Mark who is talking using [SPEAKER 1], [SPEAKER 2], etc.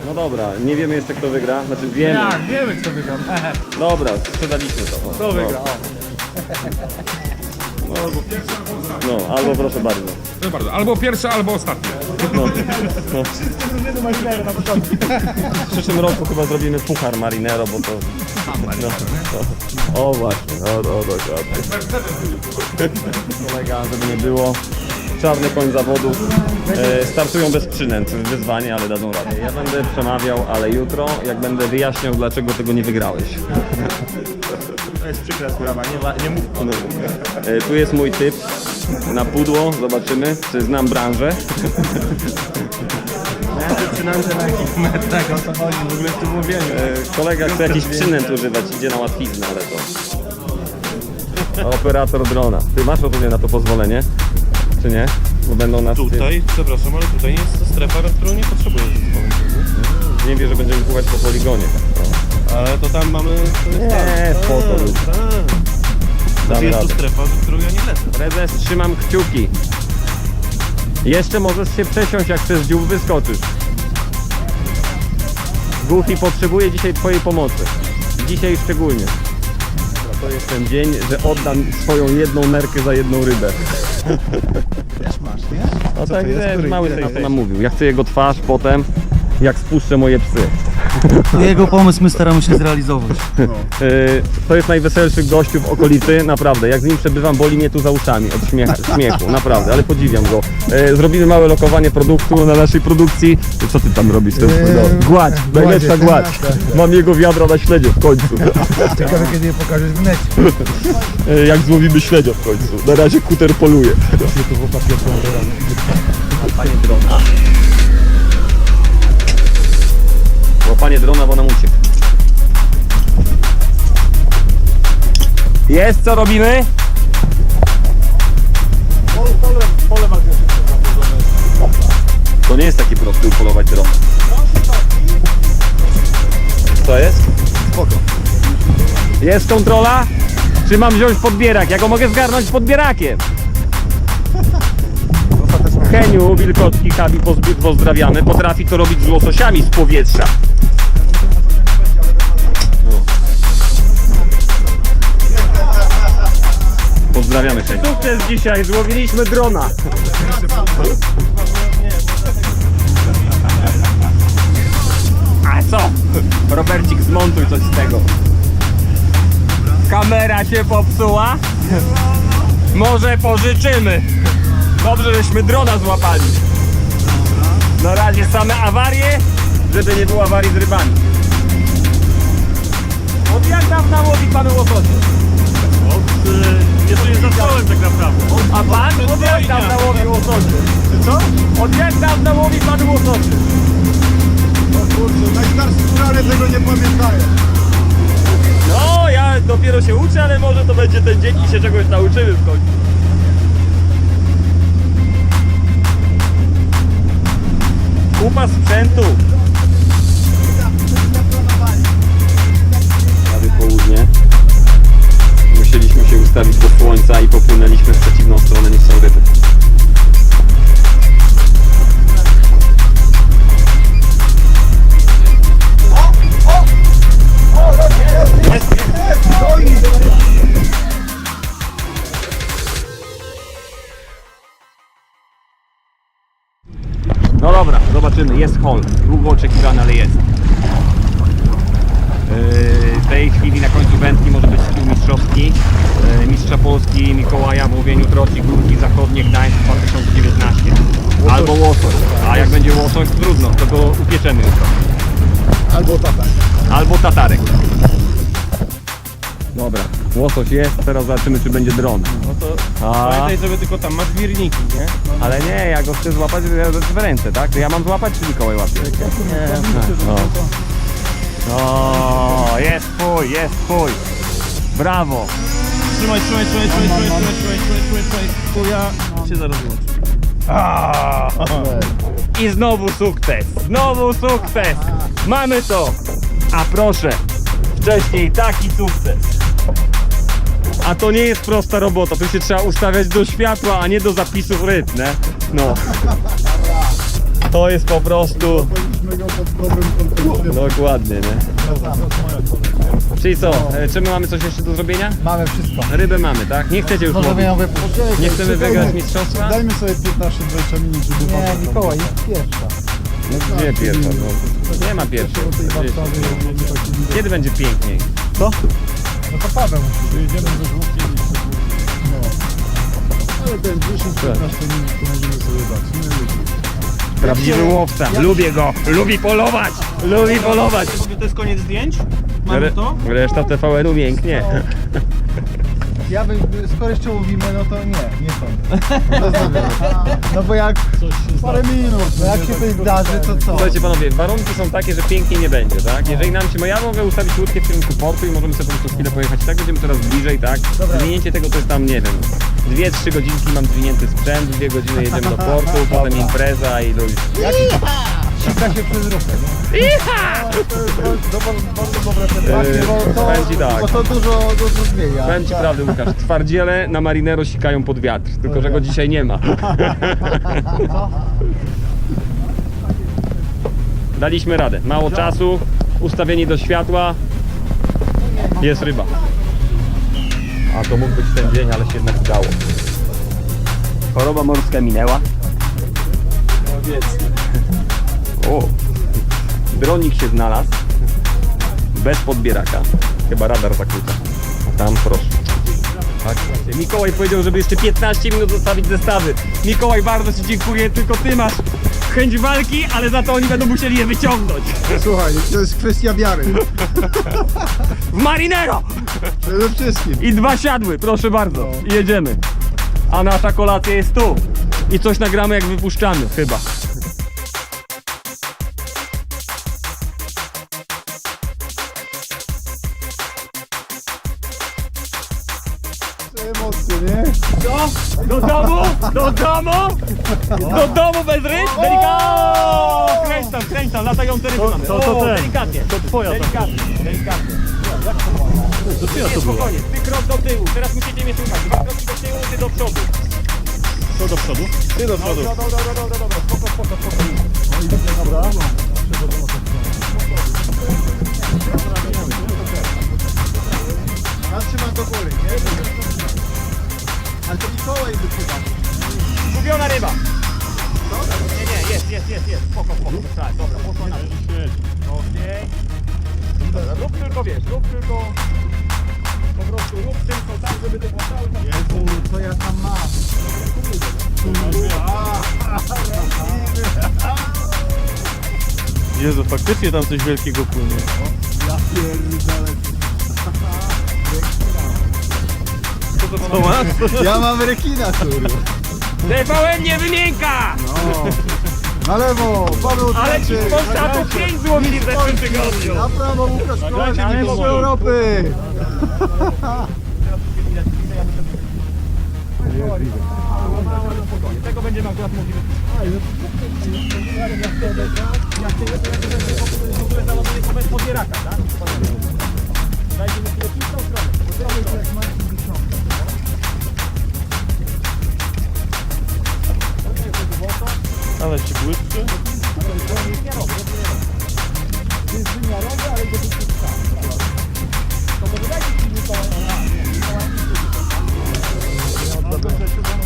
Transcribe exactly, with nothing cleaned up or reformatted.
[SPEAKER 1] No dobra, nie wiemy jeszcze kto wygra, znaczy wiemy.
[SPEAKER 2] Jak, wiemy kto wygra.
[SPEAKER 1] Dobra, sprzedaliśmy to.
[SPEAKER 2] Kto wygra? O.
[SPEAKER 1] No, albo proszę bardzo.
[SPEAKER 3] Proszę bardzo, albo pierwsze, albo ostatnie.
[SPEAKER 1] No, no.
[SPEAKER 2] Drużyny marinero na początku.
[SPEAKER 1] W przyszłym roku chyba zrobimy puchar Marinero, bo to... No, to... O właśnie, no, no, dokładnie. Kolega, żeby nie było. Czarny koń zawodów. E, startują bez przynęt, wyzwanie, ale dadzą radę. Ja będę przemawiał, ale jutro, jak będę wyjaśniał, dlaczego tego nie wygrałeś.
[SPEAKER 2] To jest przykra sprawa, nie, nie mów.
[SPEAKER 1] No. E, tu jest mój typ na pudło, zobaczymy, czy znam branżę.
[SPEAKER 2] Ja zaczynam, że na jakich metrach o co chodzi w ogóle w tym mówieniu.
[SPEAKER 1] E, kolega chce jakiś przynęt używać, idzie na łatwiznę, ale to... Operator drona. Ty masz rozumiem na to pozwolenie? Czy nie? Bo będą nas...
[SPEAKER 4] Tutaj, przepraszam, ale tutaj nie jest to strefa, na którą nie potrzebuję zezwolenia.
[SPEAKER 1] Nie wie, że będziemy pływać po poligonie.
[SPEAKER 4] Ale to tam mamy... To jest
[SPEAKER 1] Nie,
[SPEAKER 4] tam.
[SPEAKER 1] spoko.
[SPEAKER 4] Tak, tak.
[SPEAKER 1] Damy
[SPEAKER 4] Jest to
[SPEAKER 1] radę.
[SPEAKER 4] strefa, za którą ja nie lecę.
[SPEAKER 1] Prezes, trzymam kciuki. Jeszcze możesz się przesiąść, jak przez dziób wyskoczysz. Goofy potrzebuje dzisiaj twojej pomocy. Dzisiaj szczególnie. To jest ten dzień, że oddam swoją jedną nerkę za jedną rybę.
[SPEAKER 2] Też masz, nie?
[SPEAKER 1] No
[SPEAKER 2] Co
[SPEAKER 1] tak,
[SPEAKER 2] to jest?
[SPEAKER 1] wiesz,
[SPEAKER 2] Który-
[SPEAKER 1] mały
[SPEAKER 2] który
[SPEAKER 1] sejf
[SPEAKER 2] jesteś?
[SPEAKER 1] nam mówił. Ja chcę jego twarz potem, jak spuszczę moje psy.
[SPEAKER 5] To jego pomysł my staramy się zrealizować.
[SPEAKER 1] Yy, to jest najweselszy gościu w okolicy, naprawdę. Jak z nim przebywam, boli mnie tu za uszami od śmiecha, śmiechu, naprawdę, ale podziwiam go. Yy, zrobimy małe lokowanie produktu na naszej produkcji. Co ty tam robisz? To jest, no, gładź, najlepsza gładź. Mam jego wiadro na śledzie w końcu.
[SPEAKER 2] Ciekawe kiedy je pokażesz w necie.
[SPEAKER 1] Yy, jak złowimy śledzia w końcu. Na razie kuter poluje. Łapanie drona. Łapanie drona, bo nam uciekł. Jest, co robimy? To nie jest taki prosty upolować dron. Co jest?
[SPEAKER 2] Spoko.
[SPEAKER 1] Jest kontrola? Czy mam wziąć podbierak? Ja go mogę zgarnąć z podbierakiem. Heniu, Wilkocki, Habi, pozby- pozdrawiamy. Potrafi to robić z łososiami z powietrza. Pozdrawiamy Heniu. Sukces dzisiaj, złowiliśmy drona. A co? Robercik, zmontuj coś z tego. Kamera się popsuła? Może pożyczymy. Dobrze, żeśmy drona złapali. Na razie same awarie, żeby nie było awarii z rybami. Od jak dawna łowi pan łososie?
[SPEAKER 4] Jeszcze nie zacząłem tak naprawdę.
[SPEAKER 1] A pan? Od jak dawna łowi łososie? Co? Od jak dawna łowi pan łososie?
[SPEAKER 2] O kurczę, najstarsi górale tego nie pamiętają.
[SPEAKER 1] No, ja dopiero się uczę, ale może to będzie ten dzień i się czegoś nauczymy w końcu. Kupa sprzętu. Prawie południe. Musieliśmy się ustawić do słońca i popłynęliśmy w przeciwną stronę niż są ryby. No dobra, zobaczymy. Jest hol. Długo oczekiwany, ale jest. Yy, w tej chwili na końcu wędki może być skill mistrzowski. Yy, Mistrza Polski Mikołaja w łowieniu troci Górki Zachodnie Gdańsk dwa tysiące dziewiętnaście. Albo łosoś. A jak będzie łosoś, trudno, to go upieczemy jutro.
[SPEAKER 2] Albo tata.
[SPEAKER 1] Albo tatarek. Dobra, łosoś jest, teraz zobaczymy czy będzie dron.
[SPEAKER 4] No to
[SPEAKER 1] A,
[SPEAKER 4] pamiętaj, żeby tylko tam masz wirniki, nie?
[SPEAKER 1] ale nie, ja go chcę złapać w ręce, tak? To ja mam złapać czy Mikołaj łapie?
[SPEAKER 2] Nie.
[SPEAKER 1] O, jest twój, jest twój. Brawo.
[SPEAKER 4] Trzymaj, trzymaj, trzymaj, trzymaj, trzymaj, trzymaj, trzymaj, trzymaj, trzymaj, Chuja się zaraz wyłączy.
[SPEAKER 1] I znowu sukces, znowu sukces. Mamy to. A proszę, wcześniej taki sukces. A to nie jest prosta robota, tu się trzeba ustawiać do światła, a nie do zapisów ryb, nie? No. To jest po prostu...
[SPEAKER 2] Powinniśmy go pod dobrym kątem.
[SPEAKER 1] Dokładnie, nie? Czyli co, e, czy my mamy coś jeszcze do zrobienia?
[SPEAKER 2] Mamy wszystko.
[SPEAKER 1] Rybę mamy, tak? Nie chcecie już łowić?
[SPEAKER 5] Możemy ją wypuścić.
[SPEAKER 1] Nie chcemy wygrać mistrzostwa?
[SPEAKER 2] Dajmy sobie piętnaście dwadzieścia minut, żeby...
[SPEAKER 5] Nie, Mikołaj, jest pierwsza.
[SPEAKER 1] No, nie pierwsza, no. Nie ma pierwszej. Kiedy będzie piękniej?
[SPEAKER 2] No to Paweł. Jedziemy ze żółkiem i no. Ale ten dziesięć piętnaście minut to możemy sobie dać. Nie lubię.
[SPEAKER 1] Prawdziwy łowca. Lubię go. Lubi polować. Lubi polować.
[SPEAKER 4] To jest koniec zdjęć? Mamy to?
[SPEAKER 1] Reszta T V N-u mięknie.
[SPEAKER 5] Ja bym, skoro jeszcze łowimy, no to nie, nie sądzę. No bo jak,
[SPEAKER 2] Parę minut.
[SPEAKER 5] no jak się coś zdarzy, to co?
[SPEAKER 1] Słuchajcie panowie, warunki są takie, że pięknie nie będzie, tak? Jeżeli nam się, no ja mogę ustawić łódkę w kierunku portu i możemy sobie po prostu chwilę pojechać, tak? Będziemy coraz bliżej, tak? Zwinięcie tego to jest tam, nie wiem, dwie trzy godzinki mam zwinięty sprzęt, dwie godziny jedziemy do portu, potem impreza i do...
[SPEAKER 5] Sika się przez rufę, no.
[SPEAKER 2] To jest bardzo, bardzo dobre pytanie.
[SPEAKER 1] Yy,
[SPEAKER 5] Bo to,
[SPEAKER 1] powiem ci tak.
[SPEAKER 5] bo to dużo, dużo zmienia.
[SPEAKER 1] Powiem ci prawdę, Łukasz, twardziele na Marinero sikają pod wiatr, tylko że go dzisiaj nie ma. Daliśmy radę, mało czasu, ustawieni do światła, jest ryba. A to mógł być ten dzień, ale się jednak udało. Choroba morska minęła. O, dronik się znalazł, bez podbieraka, chyba radar zakłóca. A tam proszę. Tak, właśnie. Mikołaj powiedział, żeby jeszcze piętnaście minut zostawić zestawy. Mikołaj, bardzo ci dziękuję, tylko ty masz chęć walki, ale za to oni będą musieli je wyciągnąć.
[SPEAKER 2] Słuchaj, to jest kwestia wiary.
[SPEAKER 1] W Marinero!
[SPEAKER 2] Przede wszystkim.
[SPEAKER 1] I dwa siadły, proszę bardzo. I jedziemy. A nasza kolacja jest tu. I coś nagramy jak wypuszczamy, chyba.
[SPEAKER 2] Emocje, nie?
[SPEAKER 1] Do domu? Do domu? Do domu bez ryb? Delikatnie! Kręć tam, kręć tam, latające ryby mamy.
[SPEAKER 4] to- to
[SPEAKER 1] O,
[SPEAKER 4] ten.
[SPEAKER 1] delikatnie.
[SPEAKER 4] To twoja ta.
[SPEAKER 1] Delikatnie, delikatnie.
[SPEAKER 4] To ty, ja
[SPEAKER 1] Nie,
[SPEAKER 4] to było.
[SPEAKER 1] spokojnie, ty krok do tyłu, teraz musicie mnie słuchać. Dwa kroki do tyłu, ty do przodu.
[SPEAKER 4] Co do przodu?
[SPEAKER 1] Ty do przodu. Dobra, dobra, dobra, dobra, spoko, spoko, spoko.
[SPEAKER 2] Ja trzymam do góry, nie? Ale to Mikołaj wypływa.
[SPEAKER 1] Zgubiona ryba. Nie, nie, jest, jest, jest, jest. Spoko, spoko, tak, dobra, poszła na dół. Okej. Dobra, rób tylko, wiesz, rób tylko... Po prostu rób tylko tak, żeby to było cały czas...
[SPEAKER 2] Jezu, co ja tam mam?
[SPEAKER 4] Jezu, faktycznie tam coś wielkiego płynie.
[SPEAKER 2] Ja pierdolę.
[SPEAKER 4] Co masz?
[SPEAKER 2] Ja mam rekina, kurwa.
[SPEAKER 1] T V N nie wymienka!
[SPEAKER 2] No. Na lewo, Paweł
[SPEAKER 1] Ale ci
[SPEAKER 2] Tkaczyk.
[SPEAKER 1] Polska to pięć złotych w zeszłym tygodniu.
[SPEAKER 2] Na prawo Łukasz Kołaczyk,
[SPEAKER 4] Nagrajcie mi
[SPEAKER 2] mistrz
[SPEAKER 4] to.
[SPEAKER 2] Europy.
[SPEAKER 1] Tego będziemy akurat mogli w ogóle załaduje to bez podbieraka, tak? Dajcie mi chwilę w tą stronę.
[SPEAKER 4] Ale ci błyszczy.
[SPEAKER 1] To może dajcie ci Mikołaj.